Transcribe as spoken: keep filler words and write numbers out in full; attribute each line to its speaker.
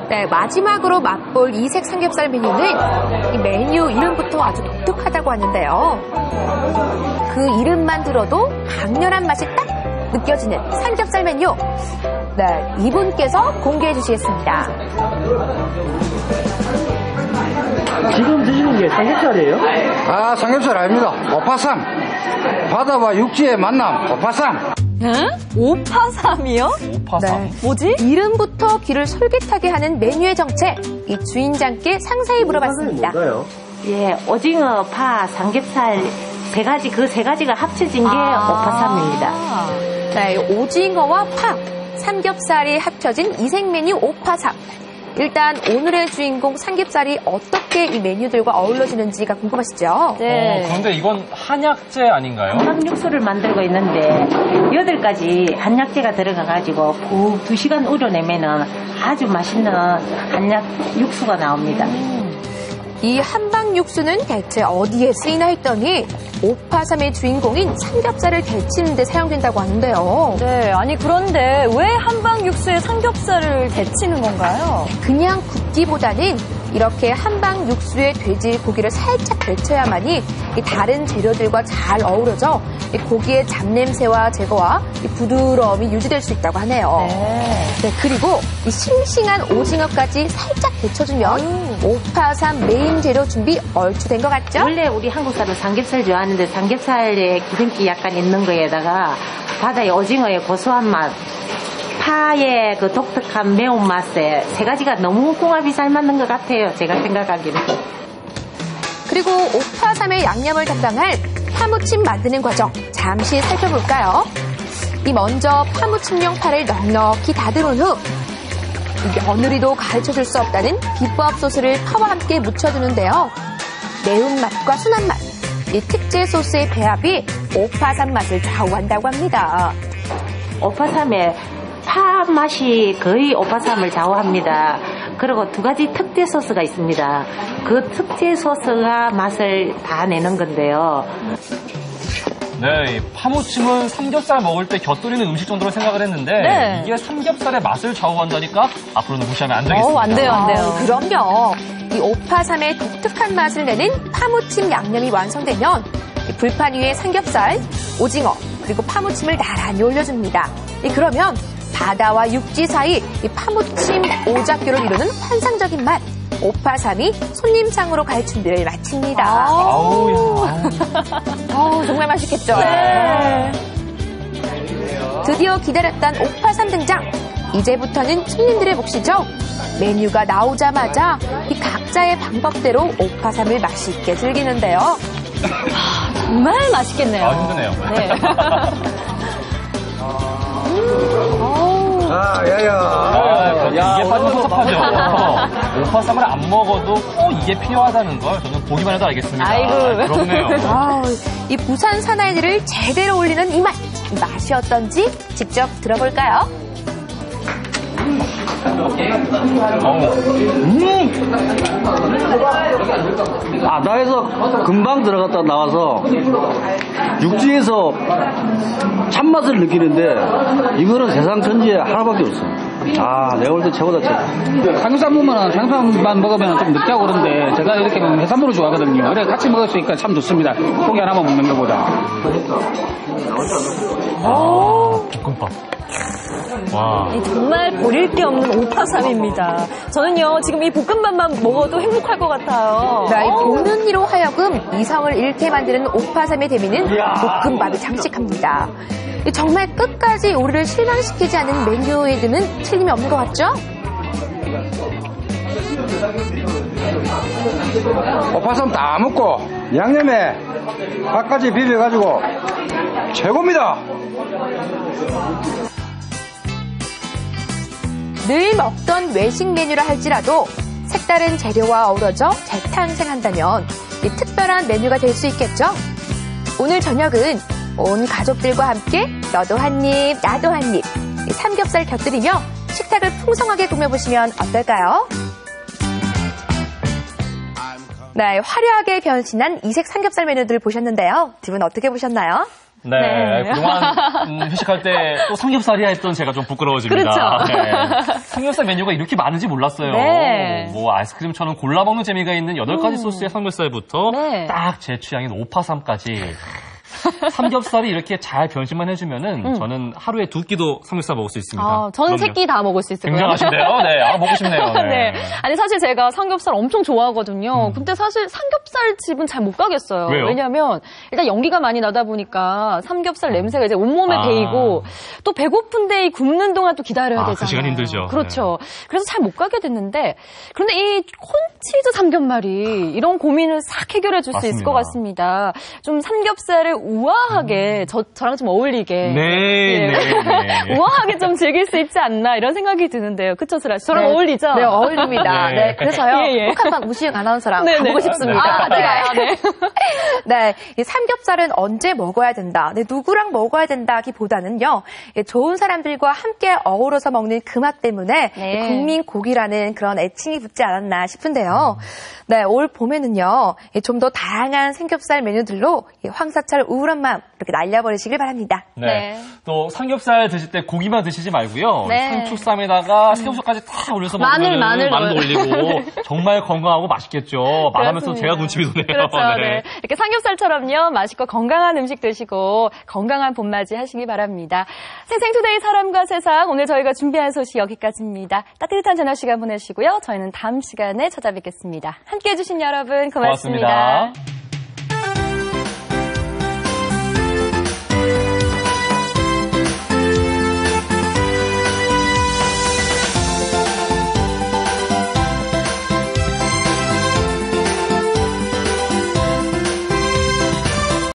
Speaker 1: 네, 마지막으로 맛볼 이색 삼겹살 메뉴는 이 메뉴 이름부터 아주 독특하다고 하는데요. 그 이름만 들어도 강렬한 맛이 딱 느껴지는 삼겹살 메뉴. 네, 이분께서 공개해 주시겠습니다.
Speaker 2: 지금 드시는 게 삼겹살이에요?
Speaker 3: 아, 삼겹살 아닙니다. 오파삼. 바다와 육지의 만남, 오파삼.
Speaker 4: 응? 오파삼이요?
Speaker 5: 오파삼.
Speaker 1: 네.
Speaker 4: 뭐지?
Speaker 1: 이름부터 귀를 솔깃하게 하는 메뉴의 정체. 이 주인장께 상세히 물어봤습니다.
Speaker 2: 뭔가요?
Speaker 6: 예, 오징어, 파, 삼겹살 세 가지, 그 세 가지가 합쳐진 게
Speaker 4: 아.
Speaker 6: 오파삼입니다.
Speaker 1: 네, 오징어와 파, 삼겹살이 합쳐진 이색 메뉴 오파삼. 일단 오늘의 주인공 삼겹살이 어떻게 이 메뉴들과 어우러지는지가 궁금하시죠?
Speaker 4: 네.
Speaker 5: 어, 그런데 이건 한약재 아닌가요?
Speaker 6: 한방 육수를 만들고 있는데 여덟 가지 한약재가 들어가가지고 푹 두 시간 우려내면은 아주 맛있는 한약 육수가 나옵니다.
Speaker 1: 이 한방 육수는 대체 어디에 쓰이나 했더니 오파삼의 주인공인 삼겹살을 데치는 데 사용된다고 하는데요.
Speaker 4: 네, 아니 그런데 왜 한방 육수에 삼겹살을 데치는 건가요?
Speaker 1: 그냥 굽기보다는 이렇게 한방 육수에 돼지 고기를 살짝 데쳐야만이 이 다른 재료들과 잘 어우러져 이 고기의 잡냄새와 제거와 이 부드러움이 유지될 수 있다고 하네요.
Speaker 4: 네.
Speaker 1: 네, 그리고 이 싱싱한 오징어까지 살짝 데쳐주면 오파삼 메인 재료 준비 얼추 된 것 같죠?
Speaker 6: 원래 우리 한국 사람 삼겹살 좋아하는데 삼겹살에 기름기 약간 있는 거에다가 바다의 오징어의 고소한 맛, 파의 그 독특한 매운맛에 세 가지가 너무 궁합이 잘 맞는 것 같아요. 제가 생각하기는.
Speaker 1: 그리고 오파삼의 양념을 담당할 파무침 만드는 과정 잠시 살펴볼까요? 이 먼저 파무침용 파를 넉넉히 다듬은 후 며느리도 가르쳐줄 수 없다는 비법 소스를 파와 함께 묻혀두는데요. 매운맛과 순한 맛, 이 특제 소스의 배합이 오파삼 맛을 좌우한다고 합니다.
Speaker 6: 오파삼의 파 맛이 거의 오파삼을 좌우합니다. 그리고 두 가지 특제 소스가 있습니다. 그 특제 소스가 맛을 다 내는 건데요.
Speaker 5: 네, 이 파무침은 삼겹살 먹을 때 곁들이는 음식 정도로 생각을 했는데
Speaker 4: 네.
Speaker 5: 이게 삼겹살의 맛을 좌우한다니까 앞으로는 무시하면 안 되겠습니다.
Speaker 4: 어, 안 돼요, 안 돼요.
Speaker 1: 아, 그럼요. 이 오파삼의 독특한 맛을 내는 파무침 양념이 완성되면 이 불판 위에 삼겹살, 오징어, 그리고 파무침을 나란히 올려줍니다. 이 그러면 바다와 육지 사이 이 파무침 오작교를 이루는 환상적인 맛. 오파삼이 손님상으로 갈 준비를 마칩니다.
Speaker 5: 아우, 야.
Speaker 1: 아우, 정말 맛있겠죠?
Speaker 4: 네.
Speaker 1: 드디어 기다렸던 오파삼 등장. 이제부터는 손님들의 몫이죠. 메뉴가 나오자마자 이 각자의 방법대로 오파삼을 맛있게 즐기는데요.
Speaker 4: 정말 맛있겠네요.
Speaker 5: 아, 힘드네요.
Speaker 4: 네.
Speaker 3: 아, 야야.
Speaker 5: 아, 이게 빠지면 섭섭하죠. 오파삼을 안 먹어도 꼭 이게 필요하다는 걸 저는 보기만 해도 알겠습니다.
Speaker 4: 아이고.
Speaker 5: 아, 그렇네요.
Speaker 1: 아우, 이 부산 사나이들을 제대로 올리는 이 맛. 이 맛이 어떤지 직접 들어볼까요?
Speaker 2: 바다에서 금방 들어갔다 나와서 육지에서 참맛을 느끼는데 이거는 세상 천지에 하나밖에 없어. 아, 내가 볼 때 최고다, 최고.
Speaker 7: 삼겹살 먹으면 삼겹살만 먹으면 좀 느끼하고 그런데 제가 이렇게 해산물을 좋아하거든요. 그래 같이 먹을 수 있으니까 참 좋습니다. 고기 하나만 먹는 것보다.
Speaker 5: 아, 볶음밥. 와.
Speaker 4: 정말 버릴 게 없는 오파삼입니다. 저는요, 지금 이 볶음밥만 먹어도 행복할 것 같아요.
Speaker 1: 네, 이 보는 이로 하여금 이성을 잃게 만드는 오파삼의 대미는 볶음밥이 장식합니다. 정말 끝까지 우리를 실망시키지 않은 메뉴에는 틀림이 없는 것 같죠?
Speaker 3: 오파삼 다 먹고 양념에 밥까지 비벼가지고 최고입니다.
Speaker 1: 늘 먹던 외식 메뉴라 할지라도 색다른 재료와 어우러져 재탄생한다면 이 특별한 메뉴가 될 수 있겠죠? 오늘 저녁은 온 가족들과 함께 너도 한 입, 나도 한 입, 삼겹살 곁들이며 식탁을 풍성하게 꾸며보시면 어떨까요? 네, 화려하게 변신한 이색 삼겹살 메뉴들 보셨는데요. 두 분 어떻게 보셨나요?
Speaker 5: 네,
Speaker 4: 네.
Speaker 5: 그동안 음, 회식할 때 또 삼겹살이야 했던 제가 좀 부끄러워집니다.
Speaker 4: 그렇죠.
Speaker 5: 네. 삼겹살 메뉴가 이렇게 많은지 몰랐어요.
Speaker 4: 네.
Speaker 5: 뭐 아이스크림처럼 골라 먹는 재미가 있는 여덟 가지 소스의 삼겹살부터
Speaker 4: 네.
Speaker 5: 딱 제 취향인 오파삼까지. 삼겹살이 이렇게 잘 변신만 해주면은
Speaker 4: 음.
Speaker 5: 저는 하루에 두 끼도 삼겹살 먹을 수 있습니다.
Speaker 4: 아, 저는
Speaker 5: 그럼요.
Speaker 4: 세 끼 다 먹을 수 있을 거예요.
Speaker 5: 굉장하신데요? 네, 아, 먹고 싶네요. 네.
Speaker 4: 네. 아니, 사실 제가 삼겹살 엄청 좋아하거든요.
Speaker 5: 음.
Speaker 4: 근데 사실 삼겹살 집은 잘 못 가겠어요.
Speaker 5: 왜요?
Speaker 4: 왜냐면, 일단 연기가 많이 나다 보니까 삼겹살 냄새가 이제 온몸에
Speaker 5: 아.
Speaker 4: 배이고, 또 배고픈데 이 굽는 동안 또 기다려야
Speaker 5: 아, 그
Speaker 4: 되잖아요.
Speaker 5: 시간 힘들죠.
Speaker 4: 그렇죠. 그래서 잘 못 가게 됐는데, 그런데 이 콘치즈 삼겹말이 이런 고민을 싹 해결해 줄 수 있을 것 같습니다. 좀 삼겹살을 우아하게, 저, 저랑 좀 어울리게.
Speaker 5: 네,
Speaker 4: 예.
Speaker 5: 네, 네.
Speaker 4: 우아하게 좀 즐길 수 있지 않나, 이런 생각이 드는데요. 그쵸, 슬아 씨? 저랑
Speaker 1: 네.
Speaker 4: 어울리죠?
Speaker 1: 네, 어울립니다.
Speaker 5: 네.
Speaker 1: 네, 그래서요.
Speaker 4: 예, 예.
Speaker 1: 꼭 한번 우시영 아나운서랑
Speaker 4: 네, 네.
Speaker 1: 가보고 싶습니다.
Speaker 4: 아, 네. 아, 네.
Speaker 1: 네, 이 삼겹살은 언제 먹어야 된다, 네, 누구랑 먹어야 된다기보다는요, 예, 좋은 사람들과 함께 어우러서 먹는 그 맛 때문에
Speaker 4: 네.
Speaker 1: 국민 고기라는 그런 애칭이 붙지 않았나 싶은데요. 네, 올 봄에는요, 좀 더 다양한 삼겹살 메뉴들로 이 황사철 우울한 마음 이렇게 날려버리시길 바랍니다.
Speaker 5: 네.
Speaker 4: 네.
Speaker 5: 또 삼겹살 드실 때 고기만 드시지 말고요.
Speaker 4: 네.
Speaker 5: 상축쌈에다가 새우젓까지 다 올려서
Speaker 4: 마늘,
Speaker 5: 먹으면
Speaker 4: 마늘
Speaker 5: 마늘도 올리고 정말 건강하고 맛있겠죠. 말하면서
Speaker 4: 그렇습니다.
Speaker 5: 제가 군침이 도네요.
Speaker 4: 그렇죠. 네. 이렇게 삼겹살처럼요, 맛있고 건강한 음식 드시고 건강한 봄맞이 하시기 바랍니다. 생생투데이 사람과 세상, 오늘 저희가 준비한 소식 여기까지입니다. 따뜻한 저녁 시간 보내시고요. 저희는 다음 시간에 찾아뵙겠습니다. 함께해 주신 여러분 고맙습니다.
Speaker 5: 고맙습니다.